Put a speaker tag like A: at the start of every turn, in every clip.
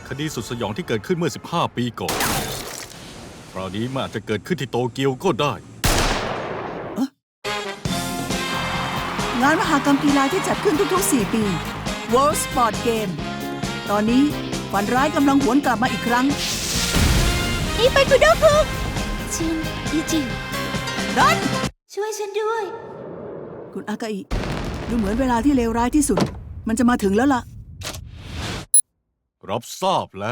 A: คดีสุดสยองที่เกิดขึ้นเมื่อ 15 ปีก่อน คราวนี้มันอาจจะเกิดขึ้นที่โตเกียวก็ได้
B: งานมหกรรมกีฬาที่จัดขึ้นทุกๆ 4 ปี World Sport Game ตอนนี้ฝันร้ายกำลังหวนกลับมาอีกครั้ง
C: นี่ไปคุโดคุชินยูจิ
B: ดัน
C: ช่วยฉันด้วย
B: คุณอากาอิดูเหมือนเวลาที่เลวร้ายที่สุด มันจะมาถึงแล้วล่ะ
A: รับทราบแล้ว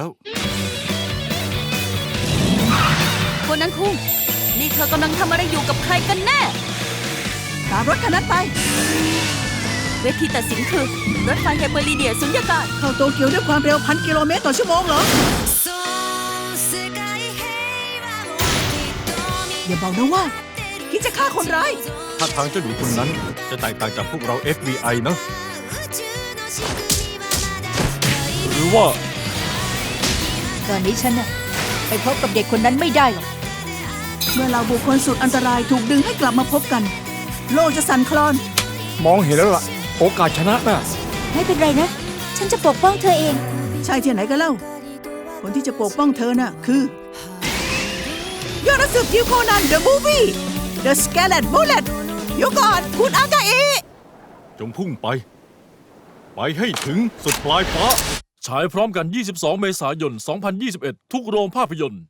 C: คนนั้นคุงนี่เธอกำลังทำอะไรอยู่กับใครกันแน่
B: ตามรถคันนั้นไป
C: เวทีตัดสินคือ รถไฟไฮเปอร์ลีเดียสุญญากาศ
B: เข้าโตเกียวด้วยความเร็ว 1,000 กิโลเมตรต่อชั่วโมงเหรอ อย่าบอกนะว่าคิดจะฆ่าคนร้าย
A: ถ้าทางเจ้าหนูคนนั้นจะแตกต่างจากพวกเรา FBI นะ หรือว่า
C: ตอนนี้ฉันน่ะไปพบกับเด็กคนนั้นไม่ได้หรอก
B: เมื่อเราบุคคลสุดอันตรายถูกดึงให้กลับมาพบกัน โลกจะสั่นคลอน
D: มองเห็นแล้วล่ะ โอกาสชนะน่ะ
C: ไม่เป็นไรนะ ฉันจะปกป้องเธอเอง
B: ใช่ที่ไหนกันเล่า คนที่จะปกป้องเธอน่ะ คือยอดนักสืบยิวโคนัน The Movie The Scarlet Bullet เดี๋ยวก่อนคุณอากาอิ
A: จงพุ่งไป ไปให้ถึงสุดปลายฟ้า
E: ฉายพร้อมกัน 22 เมษายน 2021 ทุกโรงภาพยนตร์